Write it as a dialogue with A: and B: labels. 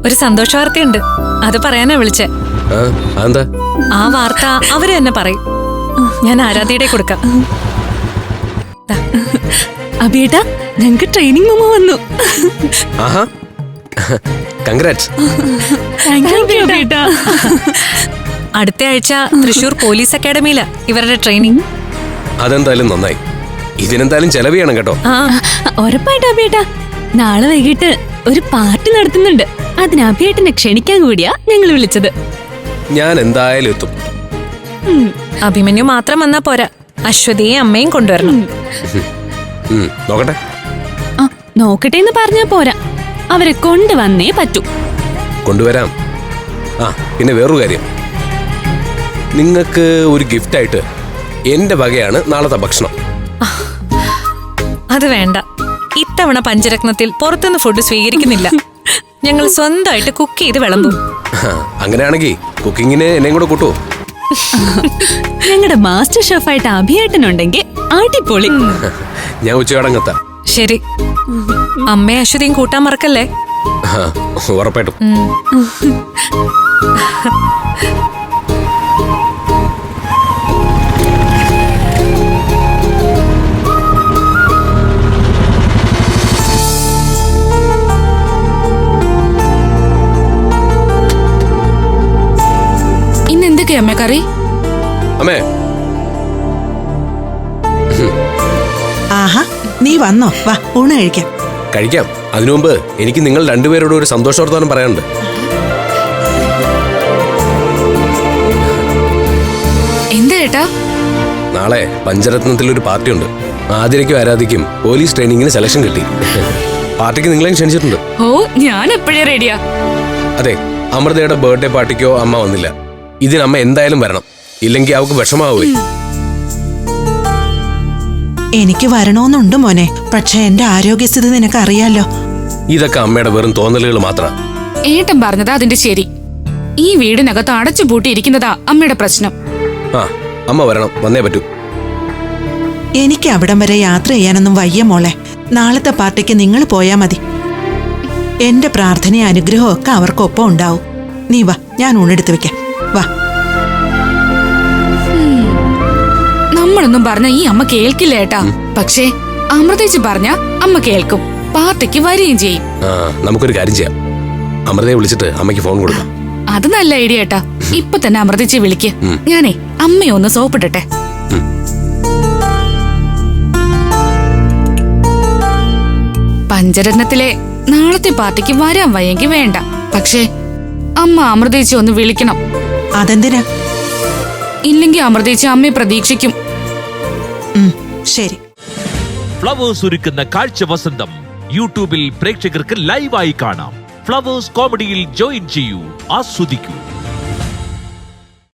A: ഒരു സന്തോഷ വാർത്തയുണ്ട്, അത് പറയാനാ വിളിച്ചേ. ആ വാർത്ത അവര് തന്നെ പറയും. ഞാൻ ആരാധ്യയുടെ കൊടുക്കാം.
B: അബിയേട്ടാ, ഞങ്ങക്ക് ട്രെയിനിങ് മെമ്മോ വന്നു.
A: അടുത്ത ആഴ്ച തൃശൂർ പോലീസ് അക്കാഡമിയിലാ ഇവരുടെ ട്രെയിനിങ്.
C: അതെന്തായാലും നന്നായി. ഇതിനെന്തായാലും ചെലവ് ചെയ്യണം കേട്ടോ.
B: ഉറപ്പായിട്ടും അബിയേട്ടാ. നാളെ വൈകിട്ട് ഒരു പാർട്ടി നടത്തുന്നുണ്ട്. അതിന് അബിയേട്ടനെ ക്ഷണിക്കാൻ കൂടിയാ ഞങ്ങൾ വിളിച്ചത്.
C: ഞാൻ എന്തായാലും എത്തും.
A: അഭിമന്യു മാത്രം വന്നാ പോരാ, അശ്വതിയെ അമ്മയും കൊണ്ടുവരണം.
C: നോക്കട്ടെ.
B: നോക്കട്ടെ എന്ന് പറഞ്ഞാ പോരാ, അവരെ കൊണ്ടുവന്നേ പറ്റൂ.
C: കൊണ്ടുവരാം. പിന്നെ വേറൊരു കാര്യം, നിങ്ങൾക്ക് ഒരു ഗിഫ്റ്റ് ആയിട്ട് എന്റെ വകയാണ് നാളത്തെ ഭക്ഷണം.
A: അത് വേണ്ട, ഇത്തവണ പഞ്ചരത്നത്തിൽ പുറത്തുനിന്ന് ഫുഡ് സ്വീകരിക്കുന്നില്ല. ഞങ്ങൾ സ്വന്തമായിട്ട് കുക്ക് ചെയ്ത് വിളമ്പും.
C: അങ്ങനെയാണെങ്കിൽ കുക്കിങ്ങിന് എന്നെയും കൂടെ കൂട്ടുവോ?
B: ഞങ്ങളുടെ മാസ്റ്റർ ഷെഫായിട്ട് അഭിയേട്ടനുണ്ടെങ്കിൽ അടിപൊളി.
C: ഞാൻ ഉച്ചയോടങ്ങെത്താം.
A: ശരി, അമ്മയെ അശ്വതിയും കൂട്ടാൻ മറക്കല്ലേ.
C: ഉറപ്പായിട്ടും.
D: ഇന്നെന്തൊക്കെയാ അമ്മ കറി?
C: അമ്മേ,
E: ആഹാ, നീ വന്നോ? വാ, ഊണ് കഴിക്കാം.
C: കഴിക്കാം. അതിനു മുമ്പ് എനിക്ക് നിങ്ങൾ രണ്ടുപേരോട് ഒരു സന്തോഷവർത്തമാനം പറയാനുണ്ട്.
D: എന്താ ഏട്ടാ?
C: നാളെ പഞ്ചരത്നത്തിൽ ഒരു പാർട്ടി ഉണ്ട്. ആതിരയ്ക്കും ആരാധിക്കും പോലീസ് ട്രെയിനിങ്ങിന് സെലക്ഷൻ കിട്ടി. പാർട്ടിക്ക് നിങ്ങളെയും ക്ഷണിച്ചിട്ടുണ്ട്.
D: ഓ, ഞാൻ എപ്പോഴേ റെഡിയാ.
C: അതെ, അമൃതയുടെ ബർത്ത്ഡേ പാർട്ടിക്കോ അമ്മ വന്നില്ല. ഇതിനമ്മ എന്തായാലും വരണം, ഇല്ലെങ്കിൽ അവൾക്ക് വിഷമാവുകയും.
E: എനിക്ക് വരണോന്നുണ്ട് മോനെ, പക്ഷെ എന്റെ ആരോഗ്യസ്ഥിതി നിനക്ക് അറിയാലോ.
C: ഇതൊക്കെ അമ്മയുടെ വെറും തോന്നലുകൾ മാത്രം.
D: ഏട്ടൻ പറഞ്ഞതാ അതിന്റെ ശരി. ഈ വീടിനകത്ത് അടച്ചു പൂട്ടിയിരിക്കുന്നതാ അമ്മയുടെ പ്രശ്നം.
C: അമ്മ വരണം, വന്നേ പറ്റൂ.
E: എനിക്ക് അവിടം വരെ യാത്ര ചെയ്യാനൊന്നും വയ്യ മോളെ. നാളത്തെ പാർട്ടിക്ക് നിങ്ങൾ പോയാ മതി. എന്റെ പ്രാർത്ഥനയും അനുഗ്രഹവും ഒക്കെ അവർക്കൊപ്പം ഉണ്ടാവും. നീ വാ, ഞാൻ ഊണെടുത്ത് വെക്കാം. വാ.
D: നമ്മളൊന്നും പറഞ്ഞ ഈ അമ്മ കേൾക്കില്ല ഏട്ടാ. പക്ഷേ അമൃതേച്ചി പറഞ്ഞ അമ്മ കേൾക്കും, പാർട്ടിക്ക് വരികയും ചെയ്യും.
C: നമുക്കൊരു കാര്യം ചെയ്യാം, അമൃതയെ വിളിച്ചിട്ട് അമ്മയ്ക്ക് ഫോൺ കൊടുക്കാം.
D: അത് നല്ല ഐഡിയ ഏട്ടാ. ഇപ്പൊ തന്നെ അമൃതേച്ചി വിളിക്ക്. ഞാനേ അമ്മയെ ഒന്ന് സോപ്പിട്ടെ. പഞ്ചരത്നത്തിലെ നാളത്തെ പാർട്ടിക്ക് വരാൻ വയ്യെങ്കിൽ വേണ്ട, പക്ഷേ അമ്മ അമൃതേച്ചി ഒന്ന് വിളിക്കണം.
E: അതെന്തിനാ?
D: ഇല്ലെങ്കിൽ അമൃതേച്ചി അമ്മയെ പ്രതീക്ഷിക്കും.
E: ശരി.
F: ഫ്ലവേഴ്സ് ഒരുക്കുന്ന കാഴ്ച വസന്തം യൂട്യൂബിൽ പ്രേക്ഷകർക്ക് ലൈവായി കാണാം. ഫ്ലവേഴ്സ് കോമഡിയിൽ ജോയിൻ ചെയ്യൂ, ആസ്വദിക്കൂ.